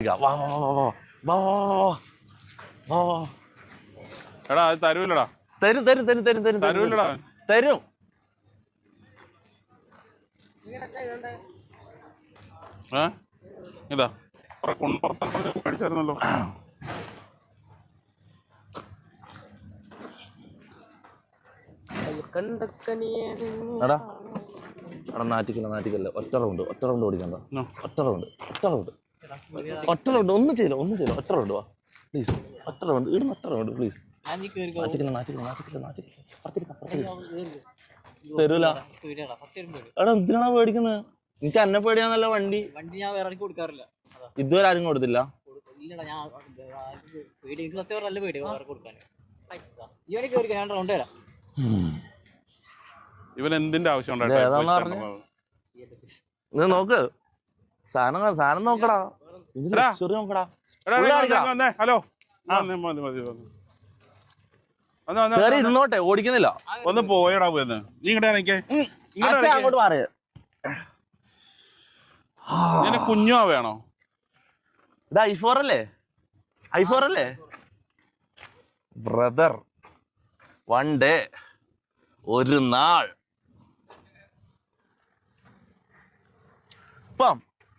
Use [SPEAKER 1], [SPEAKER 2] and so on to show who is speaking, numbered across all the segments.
[SPEAKER 1] എടാ അത് തരൂല്ലടാ.
[SPEAKER 2] തരും തരും തരും തരും തരും
[SPEAKER 1] തരൂല്ലടാ.
[SPEAKER 2] തരും.
[SPEAKER 1] ഇതാ പഠിച്ചായിരുന്നല്ലോ.
[SPEAKER 2] എടാ എടാ നാറ്റിക്കല്ല ഒറ്റ റൗണ്ട് ഓടിക്കണ്ട. ഒറ്റ റൗണ്ട് ഒന്നും ചെയ്യില്ല ഒറ്റ റൗണ്ട് വാ പ്ലീസ്. ഒറ്റ റൗണ്ട് ഇടുന്ന ഒറ്റ റൗണ്ട് പ്ലീസ്. തരൂല. എടാ എന്തിനാണോ പേടിക്കുന്നത്? എനിക്ക് എന്നെ പേടിയാന്നല്ല വണ്ടി
[SPEAKER 3] ഞാൻ വേറെ കൊടുക്കാറില്ല.
[SPEAKER 2] ഇതുവരെ ആരും കൊടുത്തില്ല.
[SPEAKER 1] ഇവൻ എന്തിന്റെ ആവശ്യം
[SPEAKER 2] നോക്ക് സാധനം നോക്കടാ. നോക്കടാ.
[SPEAKER 1] ഹലോ
[SPEAKER 2] ഇരുന്നോട്ടെ ഓടിക്കുന്നില്ല.
[SPEAKER 1] ഒന്ന് പോയടാ പോയെന്ന്. നീ ഇങ്ങോട്ട്
[SPEAKER 2] അങ്ങോട്ട് മാറി.
[SPEAKER 1] കുഞ്ഞോ വേണോ?
[SPEAKER 2] ഇത് i4 അല്ലേ ബ്രദർ? വൺ ഡേ ഒരു നാൾ ഇപ്പം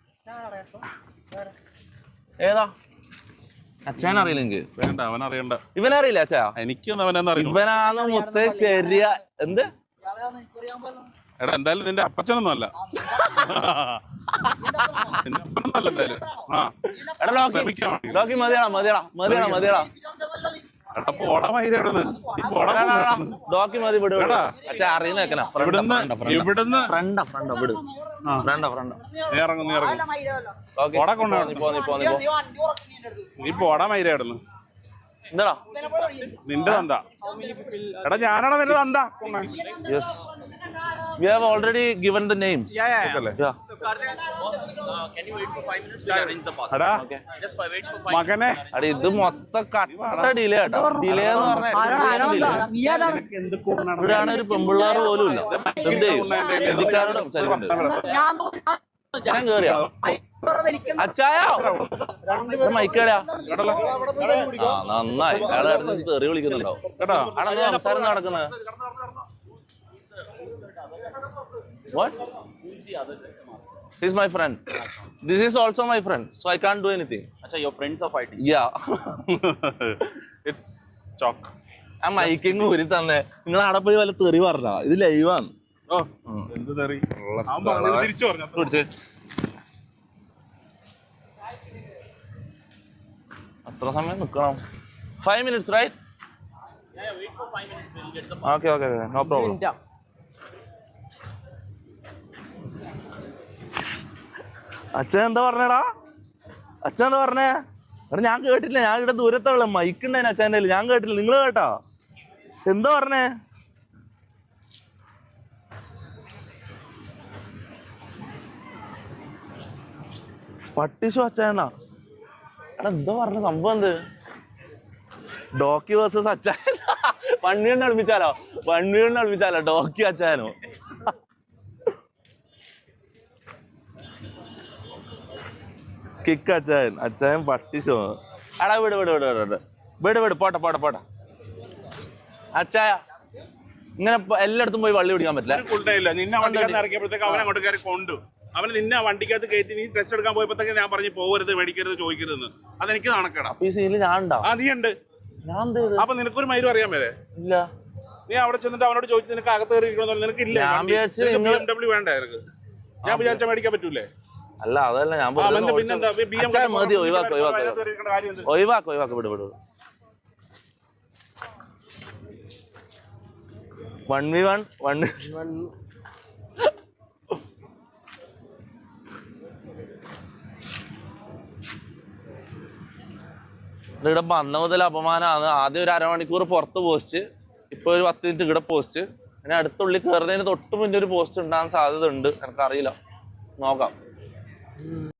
[SPEAKER 2] ഏതാ അച്ഛൻ അറിയില്ല. എനിക്ക്
[SPEAKER 1] വേണ്ട, അവനറിയണ്ട.
[SPEAKER 2] ഇവനറിയില്ല അച്ഛാ?
[SPEAKER 1] എനിക്കൊന്നും അവനെന്ന് അറിയില്ല.
[SPEAKER 2] ഇവനാണ് മുത്തേ ശരിയാ. എന്ത്
[SPEAKER 1] എടാ എന്തായാലും നിന്റെ അപ്പച്ചനൊന്നും അല്ല.
[SPEAKER 2] മതിയാ ഡോക്കി മതി. വിട് അച്ഛാ അറിയുന്ന
[SPEAKER 1] നീ പോടാ മൈരാടുന്നു.
[SPEAKER 2] എന്താടാ
[SPEAKER 1] നിന്റെ തന്ത? എടാ ഞാനാണ് നിന്റെ തന്ത.
[SPEAKER 2] Yes. We have already given the names.
[SPEAKER 1] Yeah.
[SPEAKER 3] Can you wait for 5 minutes? We'll arrange the pass.
[SPEAKER 1] Okay.
[SPEAKER 3] Just wait for 5
[SPEAKER 1] മകനെ
[SPEAKER 2] അടി ഇത് മൊത്തം കട്ട ഡിലേ ആട്ടോ. ഡിലേ എന്ന് പറഞ്ഞാൽ ഇവിടെയാണ് ഒരു പെമ്പിള്ളാറ് പോലും ഇല്ല. എന്ത് ഹിന്ദിക്കാരോട് സംസാരിക്കുന്നുണ്ട്. ഞാൻ കേറിയാ അച്ചായോ മൈക്കേടാ. നന്നായി അയാളെ തെറി വിളിക്കുന്നുണ്ടാവും കേട്ടോ. ആണോ സംസാരം നടക്കുന്നത്? What? He's my friend. This is also my friend, so I can't do anything.
[SPEAKER 3] Acha, your friends are fighting.
[SPEAKER 2] Yeah.
[SPEAKER 1] It's chalk.
[SPEAKER 2] ആ മൈക്കിങ് ഊരി തന്നെ. നിങ്ങൾ അവിടെ പോയി വല്ല തെറി പറഞ്ഞാ? ഇത് ലൈവാണ്.
[SPEAKER 1] എന്ത് തെറി? തിരിച്ചു പറഞ്ഞു.
[SPEAKER 2] അത്ര സമയം നിക്കണം. 5 minutes, right?
[SPEAKER 3] Yeah, wait for 5 minutes. We'll get the pass.
[SPEAKER 2] Okay, no problem. അച്ഛൻ എന്താ പറഞ്ഞേടാ? അച്ഛൻ എന്താ പറഞ്ഞേ? എടാ ഞാൻ കേട്ടില്ല. ഞാൻ ഇവിടെ ദൂരത്തുള്ള മൈക്ക് ഉണ്ടായിരുന്നു അച്ഛൻ്റെ കയ്യിൽ. ഞാൻ കേട്ടില്ല. നിങ്ങൾ കേട്ടാ? എന്താ പറഞ്ഞേ? പട്ടിഷോ അച്ഛനാ? എടാ എന്താ പറഞ്ഞ സംഭവം? എന്ത് ഡോക്കി വേഴ്സസ് അച്ഛൻ? 1 million അടുപ്പിച്ചാലോ ഡോക്കി അച്ഛനോ? കിക്ക് അച്ഛൻ പട്ടിഷോ? എടാ വിട് പോട്ടെ അച്ചായ. ഇങ്ങനെ എല്ലായിടത്തും പോയി വള്ളി പിടിക്കാൻ പറ്റില്ല.
[SPEAKER 1] നിന്നെ വണ്ടിക്കകത്ത് ഇറക്കിയപ്പോഴത്തേക്ക് അവൻ അങ്ങോട്ട് കയറി കൊണ്ടു. അവന് നിന്നെ വണ്ടിക്കകത്ത് കയറ്റി നീ ടെസ്റ്റ് എടുക്കാൻ പോയപ്പോഴത്തേക്ക് ഞാൻ പറഞ്ഞു പോകരുത്, മേടിക്കരുത്, ചോദിക്കരുത്. അതെനിക്ക് നടക്കണം.
[SPEAKER 2] ഈ സീനിൽ ഞാൻ ഉണ്ടോ?
[SPEAKER 1] നീ ഉണ്ട്. അപ്പൊ നിനക്കൊരു മൈരും അറിയാൻ മേലെ?
[SPEAKER 2] ഇല്ല.
[SPEAKER 1] നീ അവിടെ ചെന്നിട്ട് അവനോട് ചോദിച്ചു നിനക്ക് അകത്ത് കയറിയിരിക്കണമെന്ന്. നിനക്കില്ല BMW വേണ്ട നിനക്ക്? ഞാൻ വിചാരിച്ചാൽ മേടിക്കാൻ പറ്റൂലേ?
[SPEAKER 2] അല്ല അതല്ല ഞാൻ മതി. ഒഴിവാക്ക് വിട്. 1v1 ഇവിടെ വന്ന മുതൽ അപമാനമാണ്. ആദ്യം ഒരു അരമണിക്കൂർ പുറത്ത് പോസ്റ്റ്, ഇപ്പൊ ഒരു 10 മിനിറ്റ് ഇവിടെ പോസ്റ്റ്. പിന്നെ അടുത്തുള്ളിൽ കയറുന്നതിന് തൊട്ട് മുന്നേ ഒരു പോസ്റ്റ് ഉണ്ടാകാൻ സാധ്യത ഉണ്ട്. എനിക്കറിയില്ല, നോക്കാം.